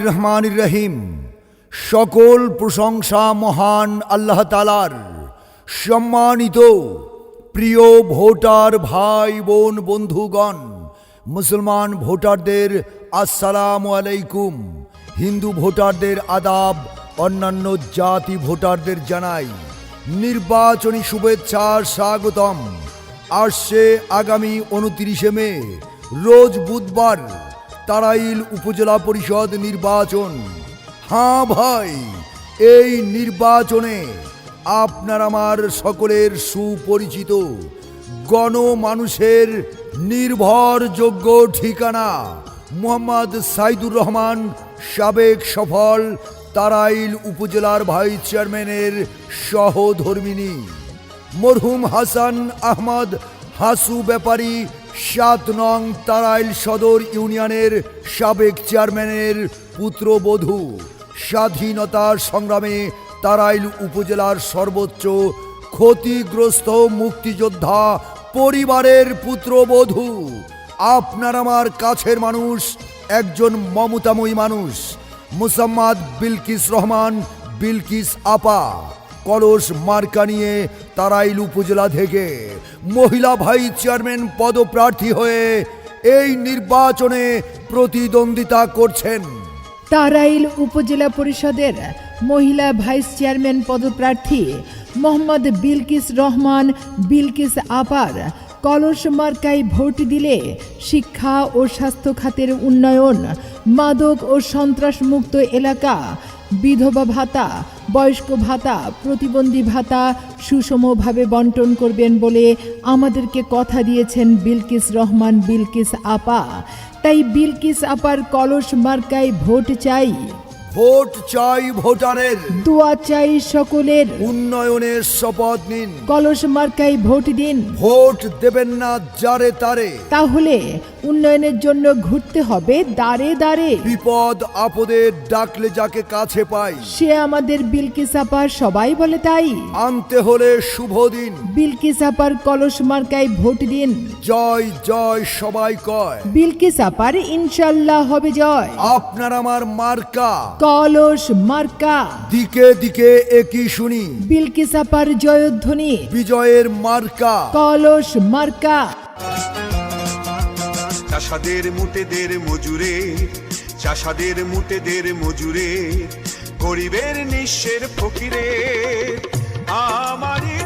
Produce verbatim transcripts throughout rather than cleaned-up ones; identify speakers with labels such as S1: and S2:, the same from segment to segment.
S1: রহমানির রহিম। সকল প্রশংসা মহান আল্লাহ তাআলার। সম্মানিত প্রিয় ভোটার ভাই বোন বন্ধুগণ, মুসলমান ভোটারদের আসসালামু আলাইকুম, হিন্দু ভোটারদের আদাব, অন্যান্য জাতি ভোটারদের জানাই নির্বাচনী শুভেচ্ছা স্বাগতম। আসছে আগামী উনত্রিশে মে রোজ বুধবার তারাইল উপজেলা পরিষদ নির্বাচন। হ্যাঁ ভাই, এই নির্বাচনে আপনার আমার সকলের সুপরিচিত গণমানুষের নির্ভরযোগ্য ঠিকানা মোহাম্মদ সাইদুর রহমান, সাবেক সফল তারাইল উপজেলার ভাইস চেয়ারম্যানের সহধর্মিনী মরহুম হাসান আহমদ হাসু ব্যাপারী, সাত নং তারাইল সদর ইউনিয়নের সাবেক চেয়ারম্যানের পুত্রবধূ, স্বাধীনতা সংগ্রামে তারাইল উপজেলার সর্বোচ্চ ক্ষতিগ্রস্ত মুক্তিযোদ্ধা পরিবারের পুত্রবধূ, আপনার আমার কাছের মানুষ, একজন মমতাময়ী মানুষ, মুসাম্মাদ বিলকিস রহমান, বিলকিস আপা। কলস মার্কা নিয়ে তারাইল উপজেলা থেকে মহিলা ভাইস চেয়ারম্যান পদপ্রার্থী হয়ে এই নির্বাচনে প্রতিদ্বন্দ্বিতা করছেন।
S2: তারাইল উপজেলা পরিষদের মহিলা ভাইস চেয়ারম্যান পদপ্রার্থী মোহাম্মদ বিলকিস রহমান, বিলকিস আপার কলস মার্কায় ভোট দিলে শিক্ষা ও স্বাস্থ্য খাতের উন্নয়ন, মাদক ও সন্ত্রাসমুক্ত এলাকা, বিধবা ভাতা, বয়স্ক ভাতা, প্রতিবন্ধী ভাতা সুষমভাবে বন্টন করবেন বলে আমাদেরকে কথা দিয়েছেন বিলকিস রহমান, বিলকিস আপা। তাই বিলকিস আপার কলস মার্কায় ভোট চাই।
S1: ভোট চাই ভোটারের,
S2: দোয়া চাই সকলের,
S1: উন্নয়নের শপথ নিন।
S2: কলস মার্কায় ভোট দিন।
S1: ভোট দেবেন না যারে তারে,
S2: তাহলে উন্নয়নের জন্য ঘুরতে হবে দাঁড়ে দাঁড়ে।
S1: বিপদ আপদে ডাকলে যাকে কাছে পাই,
S2: সে আমাদের বিলকিস আপা, সবাই বলে তাই।
S1: আনতে হলে শুভ দিন,
S2: বিলকিস আপার কলস মার্কায় ভোট দিন।
S1: জয় জয় সবাই কয়,
S2: বিলকিস আপার ইনশাল্লাহ হবে জয়।
S1: আপনার আমার মার্কা
S2: কলস মার্কা,
S1: দিকে দিকে একই শুনি,
S2: বিলকিস আপার জয়ধ্বনি
S1: বিজয়ের মার্কা
S2: কলস মার্কা।
S3: চাষাদের মুটেদের মজুরে, চাষাদের মুটেদের মজুরে, গরিবের নিঃস্বের ফকিরে, আমারই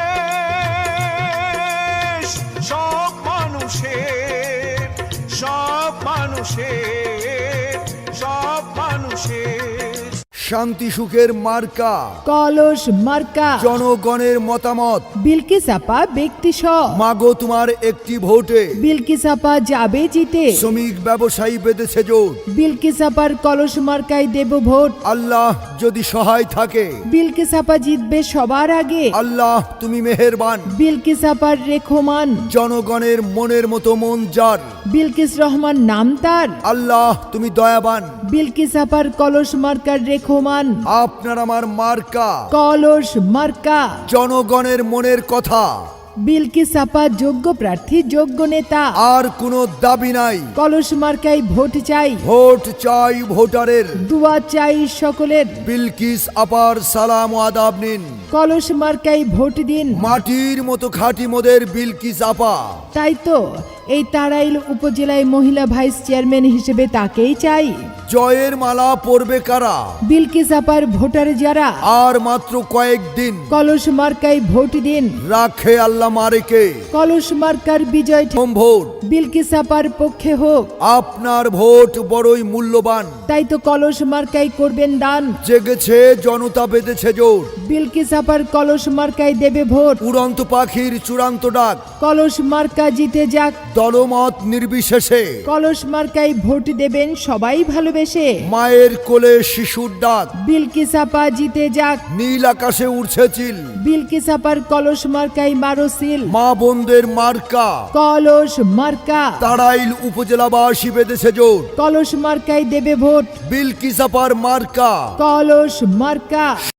S3: দেশ সব মানুষের, সব মানুষের, সব মানুষের।
S1: শান্তি সুখের মার্কা
S2: কলস মার্কা,
S1: জনগণের মতামত।
S2: বিলকিস আপা ব্যক্তি সব,
S1: মাগো তোমার একটি ভোটে
S2: বিলকিস আপা যাবে জিতে।
S1: শ্রমিক ব্যবসায়ী বেঁধেছে জোট,
S2: বিলকিস আপার কলস মার্কায় দেব ভোট।
S1: আল্লাহ যদি সহায় থাকে,
S2: বিলকিস আপা জিতবে সবার আগে।
S1: আল্লাহ তুমি মেহেরবান।
S2: বিলকিস আপার রেখমান,
S1: জনগণের মনের মতো মন যার,
S2: বিলকিস রহমান নাম তার।
S1: আল্লাহ তুমি দয়াবান।
S2: বিলকিস আপার কলস মার্কার রেখমান,
S1: আপনার আমার মার্কা
S2: কলস মার্কা।
S1: জনগণের মনের কথা,
S2: বিলকিস আপা যোগ্য প্রার্থী, যোগ্য নেতা।
S1: আর কোনো দাবি নাই,
S2: কলস মার্কায় ভোট চাই।
S1: ভোট চাই ভোটারের,
S2: দোয়া চাই সকলের।
S1: বিলকিস আপার সালাম ও আদাব নিন।
S2: কলস মার্কায় ভোট দিন।
S1: মাটির মতো খাঁটি মোদের বিলকিস আপা।
S2: তাই তো এই তারাইল উপজেলায় মহিলা ভাইস চেয়ারম্যান হিসেবে তাকেই চাই।
S1: জয়ের মালা পরবে কারা,
S2: বিলকিস আপার ভোটার যারা,
S1: আর মাত্র কয়েকদিন,
S2: কলস মার্কায় ভোট দিন।
S1: রাখে আল্লাহ মারেকে,
S2: কলস মার্কার বিজয়
S1: প্রথম ভোট
S2: বিলকিস আপার পক্ষে হোক।
S1: আপনার ভোট বড়ই মূল্যবান,
S2: তাই তো কলস মার্কায় করবেন দান।
S1: জেগেছে জনতা বেঁধেছে জোর,
S2: বিলকিস আপার কলস মার্কায় দেবে ভোট।
S1: উড়ন্ত পাখির চূড়ান্ত ডাক,
S2: কলস মার্কা জিতে যাক।
S1: দলমত নির্বিশেষে
S2: কলস মার্কায় ভোট দেবেন সবাই ভালোবেসে।
S1: মায়ের কোলে শিশুর ডাক,
S2: বিলকিস আপা জিতে যাক।
S1: নীল আকাশে উড়ছে চিল,
S2: বিলকিস আপার কলস মার্কায় মারো সিল।
S1: মা বোনদের মার্কা
S2: কলস মার্কা,
S1: তারাইল উপজেলাবাসী বেঁধেছে জোর,
S2: কলস মার্কায় দেবে ভোট।
S1: বিলকিস আপার মার্কা
S2: কলস মার্কা।